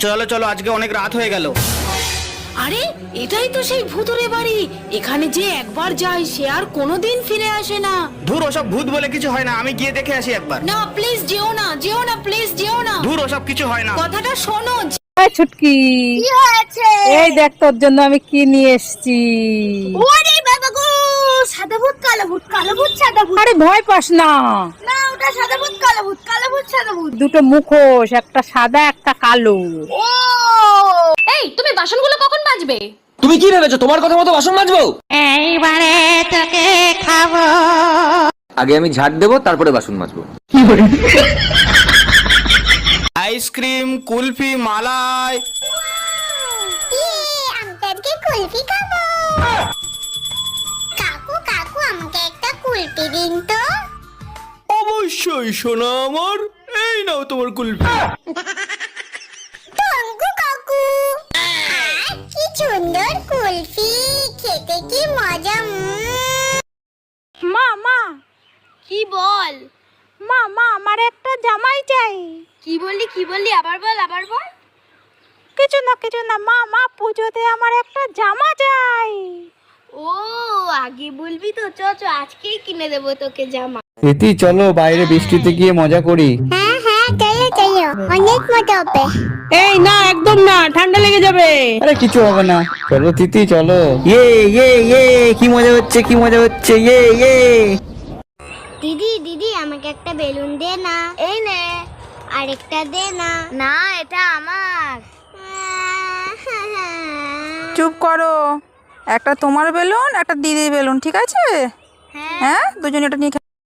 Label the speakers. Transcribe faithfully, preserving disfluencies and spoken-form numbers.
Speaker 1: চলো চলো, আজকে অনেক রাত হয়ে গেল।
Speaker 2: আরে এটাই তো সেই ভূতুরে বাড়ি। এখানে যে একবার যায় সে আর কোনোদিন ফিরে আসে না।
Speaker 1: ধুর, ওসব ভূত বলে কিছু হয় না, আমি গিয়ে দেখে আসি একবার।
Speaker 2: না প্লিজ যেও না, যেও না, প্লিজ যেও না।
Speaker 1: ধুর, ওসব কিছু হয় না।
Speaker 2: কথাটা শোনো।
Speaker 3: এই ছুটকি,
Speaker 4: কি হয়েছে?
Speaker 3: এই দেখ তোর জন্য আমি কি নিয়ে এসেছি।
Speaker 4: ওরে বাবা গো, সাদা ভূত কালো ভূত, কালো ভূত সাদা ভূত।
Speaker 3: আরে ভয় পাস না,
Speaker 4: না ওটা সাদা ভূত কালো ভূত, কালো ভূত সাদা ভূত।
Speaker 3: দুটো মুখোশ, একটা সাদা একটা কালো।
Speaker 4: ও
Speaker 2: এই তুমি বাসনগুলো কখন মাজবে?
Speaker 5: তুমি কি ভেবেছো তোমার কথা মতো বাসন মাজবো?
Speaker 4: এইবারে তোকে খাবো।
Speaker 5: আগে আমি ঝাড় দেবো, তারপরে বাসন মাজবো।
Speaker 1: আইসক্রিম, কুলফি, মালাই।
Speaker 4: আমি আজকে কুলফি খাবো। কাকু কাকু আমাকে একটা কুলফি দিন তো।
Speaker 1: অবশ্যই সোনা আমার, এই নাও তোমার কুলফি।
Speaker 4: টঙ্কু কাকু, আহ, কি সুন্দর কুলফি, খেতে কি মজা। উম।
Speaker 3: মা মা
Speaker 4: কি বল?
Speaker 3: মা মা আমার একটা জামাই চাই।
Speaker 4: কি বললি কি বললি আবার বল আবার বল।
Speaker 3: কিছু না কিছু না মা, মা পুজোতে আমার একটা জামা চাই।
Speaker 4: ও আগে বলবি তো, চ চ আজকেই কিনে দেবো তোকে জামা।
Speaker 6: প্রীতি চলো বাইরে বৃষ্টিতে গিয়ে মজা করি।
Speaker 4: হ্যাঁ হ্যাঁ চলো চলো, অনেক মজা হবে।
Speaker 3: এই না, একদম না, ঠান্ডা লেগে যাবে।
Speaker 6: আরে কিছু হবে না, চলো তিতি চলো। ইয়ে ইয়ে ইয়ে কি মজা হচ্ছে, কি মজা হচ্ছে, ইয়ে ইয়ে।
Speaker 4: দিদি দিদি আমাকে একটা বেলুন দে না। এই নে, আরেকটা দে না। না এটা আমার।
Speaker 7: চুপ করো, একটা তোমার বেলুন একটা দিদির বেলুন, ঠিক আছে? হ্যাঁ দুজনে এটা নিয়ে